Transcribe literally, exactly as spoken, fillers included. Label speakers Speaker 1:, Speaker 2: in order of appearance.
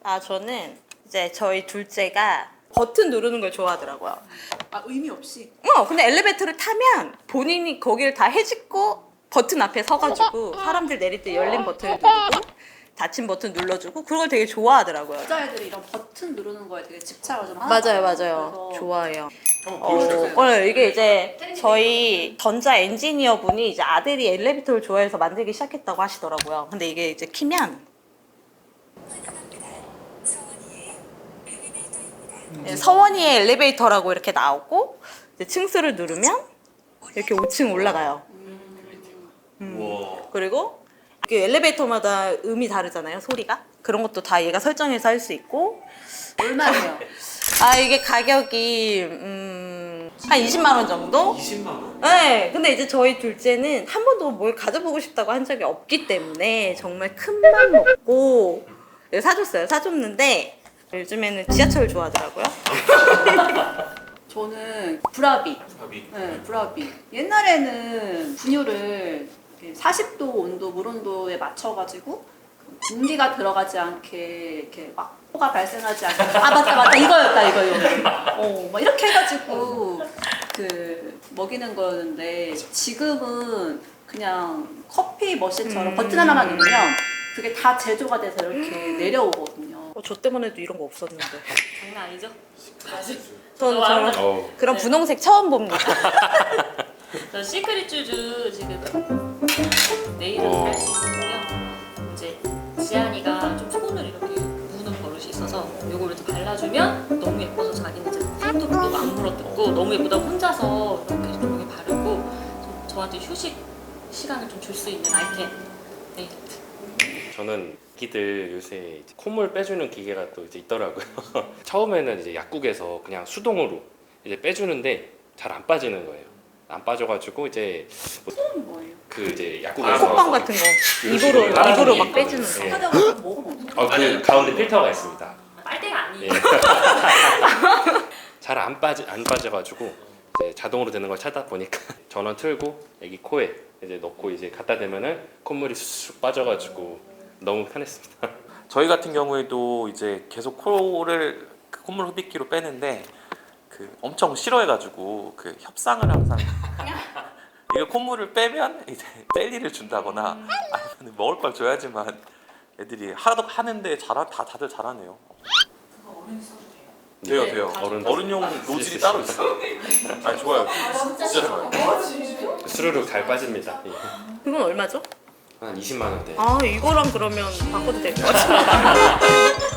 Speaker 1: 아 저는 이제 저희 둘째가 버튼 누르는 걸 좋아하더라고요.
Speaker 2: 아 의미 없이.
Speaker 1: 어 근데 엘리베이터를 타면 본인이 거기를 다 해집고 버튼 앞에 서가지고 사람들 내릴 때 열린 버튼을 누르고 닫힌 버튼 눌러주고 그걸 되게 좋아하더라고요.
Speaker 2: 여자애들이 이런 버튼 누르는 거에 되게 집착을 좀 하나
Speaker 1: 맞아요,
Speaker 2: 봐요.
Speaker 1: 맞아요.
Speaker 2: 그래서
Speaker 1: 좋아해요.
Speaker 3: 한번
Speaker 1: 어,
Speaker 3: 보여주세요.
Speaker 1: 어, 이게 이제 저희 전자 엔지니어 분이 이제 아들이 엘리베이터를 좋아해서 만들기 시작했다고 하시더라고요. 근데 이게 이제 키면 네, 서원이의 엘리베이터라고 이렇게 나오고 이제 층수를 누르면 이렇게 오 층 올라가요.
Speaker 3: 우와.
Speaker 1: 그리고 그 엘리베이터마다 음이 다르잖아요, 소리가. 그런 것도 다 얘가 설정해서 할 수 있고.
Speaker 2: 얼마예요?
Speaker 1: 아 이게 가격이 음, 한 이십만 원 정도?
Speaker 3: 이십만 원?
Speaker 1: 네, 근데 이제 저희 둘째는 한 번도 뭘 가져보고 싶다고 한 적이 없기 때문에 정말 큰 맘 먹고 사줬어요. 사줬는데 요즘에는 지하철 좋아하더라고요.
Speaker 2: 저는 브라비.
Speaker 3: 밥이.
Speaker 2: 네, 브라비. 옛날에는 분유를 사십 도 온도, 물 온도에 맞춰가지고 공기가 들어가지 않게 이렇게 막 호가 발생하지 않게 아 맞다 맞다 이거였다 이거 이거 어막 이렇게 해가지고 그 먹이는 거였는데 지금은 그냥 커피 머신처럼
Speaker 1: 음.
Speaker 2: 버튼 하나만 누르면 그게 다 제조가 돼서 이렇게 내려오거든요.
Speaker 1: 어, 저 때문에도 이런 거 없었는데.
Speaker 4: 장난 아니죠?
Speaker 1: 저는 저는
Speaker 3: 어우.
Speaker 1: 그런 분홍색 처음 봅니다.
Speaker 4: 저 시크릿 쭈쭈 지금 네일을
Speaker 3: 와.
Speaker 4: 할 수 있는데요. 이제 지안이가 좀 손을 이렇게 무는 버릇이 있어서 요걸 이렇게 발라주면 너무 예뻐서 자기는 이제 손도 물고 안 물어뜯고 너무 예쁘다고 혼자서 이렇게 좀 여기 바르고 좀 저한테 휴식 시간을 좀 줄 수 있는 아이템 네일 아트.
Speaker 5: 저는 기들 요새 이제 콧물 빼주는 기계가 또 이제 있더라고요. 처음에는 이제 약국에서 그냥 수동으로 이제 빼주는데 잘 안 빠지는 거예요. 안 빠져가지고 이제 뭐
Speaker 2: 이건 뭐예요?
Speaker 5: 그 이제 약국에서
Speaker 1: 콧방 같은 거
Speaker 5: 이런
Speaker 1: 입으로
Speaker 5: 식으로 따라주는
Speaker 1: 입으로
Speaker 5: 게
Speaker 1: 막
Speaker 5: 있거든요.
Speaker 1: 빼주는 거.
Speaker 5: 예.
Speaker 2: 하다가 먹으면 어떡해?
Speaker 5: 어, 그 가운데 필터가 있습니다.
Speaker 4: 빨대가 아니에요.
Speaker 5: 예. 잘 안 빠지 안 빠져가지고 이제 자동으로 되는 걸 찾다 보니까 전원 틀고 애기 코에 이제 넣고 이제 갖다 대면은 콧물이 쑥 빠져가지고 너무 편했습니다.
Speaker 6: 저희 같은 경우에도 이제 계속 코를 그 콧물 흡입기로 빼는데 그 엄청 싫어해가지고 그 협상을 항상 이거 콧물을 빼면 이제 젤리를 준다거나 아니면 먹을 걸 줘야지만 애들이 하도 하는데 잘하 다 다들 잘하네요. 돼요
Speaker 5: 네,
Speaker 6: 돼요.
Speaker 5: 어른
Speaker 6: 어른용 노즐이 따로 있어요. 아니 좋아요. 진짜 좋아요.
Speaker 5: 스르륵 잘 빠집니다. 예.
Speaker 1: 그건 얼마죠?
Speaker 5: 한 이십만 원대.
Speaker 1: 아 이거랑 그러면 바꿔도 될 것 같아요.